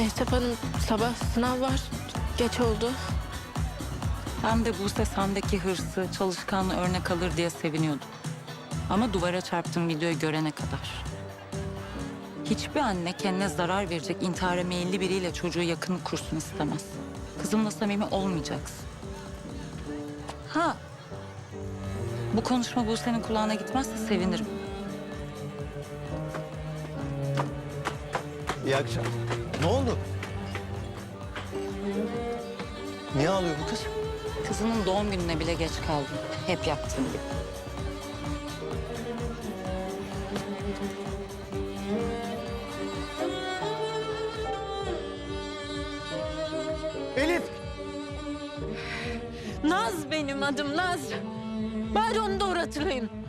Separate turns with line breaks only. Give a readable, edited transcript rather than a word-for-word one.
Mehtap Hanım, sabah sınav var. Geç oldu.
Ben de Buse sendeki hırsı, çalışkanlığı örnek alır diye seviniyordum. Ama duvara çarptığım videoyu görene kadar. Hiçbir anne kendine zarar verecek intihara meyilli biriyle çocuğu yakın kursun istemez. Kızımla samimi olmayacaksın. Ha, bu konuşma Buse'nin kulağına gitmezse sevinirim.
İyi akşam. Ne oldu? Niye ağlıyor bu kız?
Kızının doğum gününe bile geç kaldım. Hep yaptığım gibi.
Elif!
Naz benim adım, Naz. Bari onu doğru hatırlayın.